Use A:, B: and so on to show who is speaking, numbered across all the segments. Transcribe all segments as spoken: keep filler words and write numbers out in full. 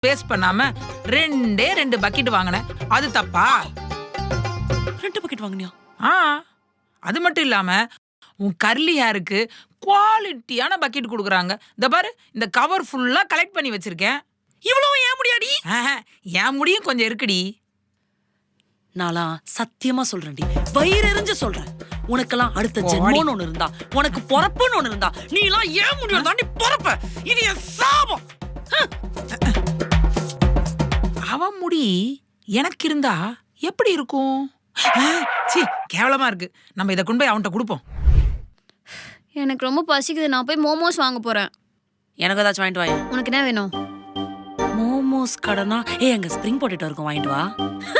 A: Waste பண்ணாம ரெண்டே ரெண்டு பக்கெட் வாங்கினேன். அது தப்பா?
B: ரெண்டு பக்கெட் வாங்கினியா?
A: ஆ, அது மட்டும் இல்லாம உன் கர்லி ஹேருக்கு குவாலிட்டியான பக்கெட் கொடுக்குறாங்க. இந்த பாரு, இந்த கவர் ஃபுல்லா கலெக்ட் பண்ணி வச்சிருக்கேன்.
B: இவ்வளவு ஏன் முடியாடி?
A: என் முடியும் கொஞ்சம் இருக்குடி.
B: நாளா சத்தியமா சொல்றேன்டி, வயிறு எரிஞ்சு சொல்றேன். உனக்கெல்லாம் அடுத்த ஜென்மம்னு ஒண்ணு இருந்தா, உனக்கு பொறப்புன்னு ஒண்ணு இருந்தா, நீ எல்லாம் ஏன் முடியும் தாண்டி பொறப்ப. இது என் சாபம்.
A: அவன் முடி எனக்கு இருந்தா எப்படி இருக்கும்? சீ, கேவலமா இருக்கு. நம்ம இதை கொண்டு போய் அவன்கிட்ட கொடுப்போம்.
C: எனக்கு ரொம்ப பசிக்குது, நான் போய் மோமோஸ் வாங்க போறேன்.
B: எனக்கு ஏதாச்சும் வாங்கிட்டு வாங்க.
C: உனக்கு என்ன வேணும்?
B: மோமோஸ் கடனா? ஏ, அங்க ஸ்ப்ரிங் பொட்டேட்டோ இருக்கும், வாங்கிட்டு வா.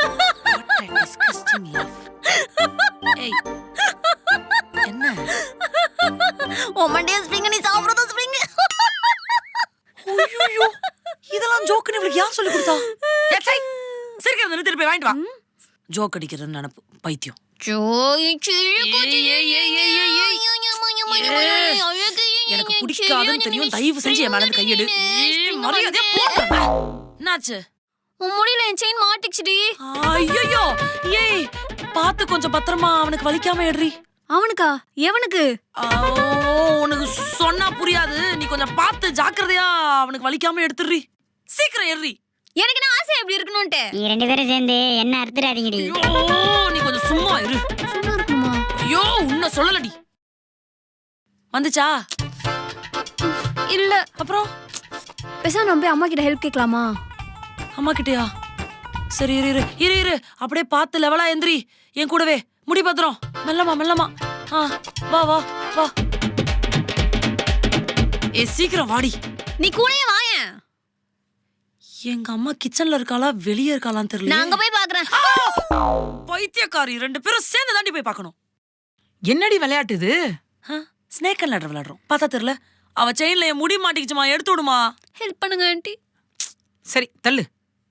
B: ஏய், என்ன
C: ஒமண்டே ஸ்ப்ரிங் நீ சாப்பிடுறது ஸ்ப்ரிங்.
B: ஐயோ, இதெல்லாம் ஜோக்குன்னு இவளுக்கு யார் சொல்லி கொடுத்தா? சிரிக்கிறது நிறுத்திட்டு போய் வாங்கிட்டு வா. ஜோக் அடிக்கிறதுன்னு நினைப்பு பைத்தியம். எனக்கு பிடிக்காதுன்னு தெரியும், தயவு செஞ்சு என் மேல இருந்து கையெடு. மரியாதையா போடுறேன். என்னாச்சு?
C: உன் முடியல என் செயின் மாட்டிச்சுடி.
B: ஐயோ, ஏய் பாத்து கொஞ்சம் பத்திரமா, அவனுக்கு வலிக்காம எடுறி.
C: அவனுக்கா? எவனுக்கு?
B: உனக்கு சொன்னா புரியாது, நீ கொஞ்சம் பார்த்து ஜாக்கிரதையா அவனுக்கு வலிக்காம எடுத்துடுறி. சீக்கிரம் ஏறி.
C: எனக்கு என்ன ஆசை எப்படி இருக்கணும்ட்டு.
D: நீ ரெண்டு பேரும் சேர்ந்து என்ன அறுத்துறாதீங்கடி.
B: ஐயோ, நீ கொஞ்சம் சும்மா இரு.
C: சும்மா இருக்கணுமா?
B: ஐயோ, உன்ன சொல்லலடி. வந்துச்சா?
C: இல்ல.
B: அப்புறம்
C: பேசாம நம்ம போய் அம்மா கிட்ட ஹெல்ப் கேட்கலாமா?
B: அம்மா கிட்டயா? சரி இரு இரு இரு இரு அப்படியே பார்த்து லெவலா எந்திரி. என் கூடவே முடி பத்திரம். மெல்லமா மெல்லமா. ஆ, வா வா வா. ஏ, சீக்கிரம் வாடி.
C: நீ கூடயே வாயேன்.
B: எங்க அம்மா கிச்சன்ல இருக்காளா வெளியே இருக்காளான்னு தெரியல.
C: நான் அங்க போய் பாக்குறேன்.
B: பைத்தியக்காரி, ரெண்டு பேரும் சேர்ந்து தாண்டி போய் பார்க்கணும்.
A: என்னடி விளையாட்டு இது?
B: ஸ்னேக் அண்ட் லேடர் விளையாடுறோம். பார்த்தா தெரியல. அவ செயின்ல என் முடி மாட்டிக்கிச்சுமா, எடுத்து விடுமா.
C: ஹெல்ப் பண்ணுங்க ஆண்டி.
A: சரி, தள்ளு.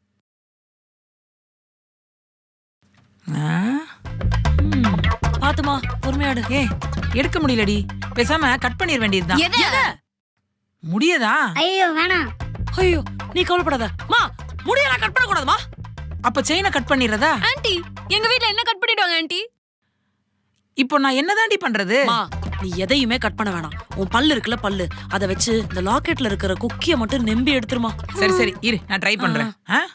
B: பாத்துமா, பொறுமையாடு.
A: ஏ, எடுக்க முடியலடி. பேசாம கட் பண்ணிட வேண்டியதுதான்.
C: எதை?
A: முடியதா?
D: ஐயோ வேணாம்.
B: ஐயோ, நீ கவலைப்படாத. மா, முடியெல்லாம் கட் பண்ண கூடாதுமா.
A: அப்ப செயினை கட் பண்ணிடுறதா?
C: ஆண்டி, எங்க வீட்ல என்ன கட் பண்ணிடுவாங்க ஆண்டி?
A: இப்போ நான் என்னதாண்டி பண்றது?
B: மா, நீ எதையுமே கட் பண்ண வேணாம். உன் பல்லு இருக்குல்ல, பல்லு, அதை வச்சு இந்த லாக்கெட்ல இருக்கிற குக்கிய மட்டும் நெம்பி எடுத்துருமா.
A: சரி சரி இரு, நான் ட்ரை பண்றேன்.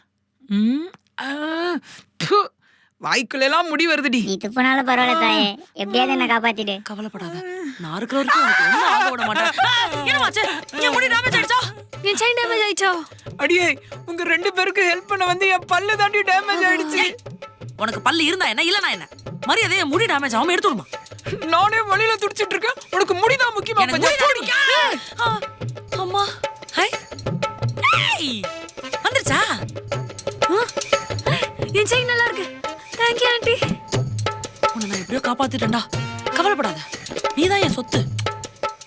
A: வாய்க்குள்ள எல்லாம் முடி வருதுடி.
D: நீ துப்புனாலும் பரவாயில்ல தாயே, எப்படியாவது என்ன காப்பாத்திடு.
B: கவலைப்படாத, நான் இருக்கிற வரைக்கும் உனக்கு ஒண்ணும் ஆக விட மாட்டேன். என்னமாச்சு? என் முடி டேமேஜ் ஆயிடுச்சா?
C: என் செயின் டேமேஜ் ஆயிடுச்சா?
A: அடியே, உங்க ரெண்டு பேருக்கு ஹெல்ப் பண்ண வந்து என் பல்லு தாண்டி டேமேஜ் ஆயிடுச்சு.
B: உனக்கு பல்லு இருந்தா என்ன, இல்லனா என்ன? மரியாதையா முடி டேமேஜ் ஆகாம எடுத்து விடுமா.
A: நானே வழியில துடிச்சிட்டு இருக்கேன், உனக்கு முடிதான் முக்கியமா?
B: எனக்கு முடி தான் முக்கியம். அம்மா, ஹை, ஏய், வந்துருச்சா?
C: என் செயின் நல்லா இருக்கு. Thank you aunty.
B: உன்னை நான் எப்படியோ காப்பாத்திட்டேன்டா. கவலைப்படாத, நீதான் என் சொத்து.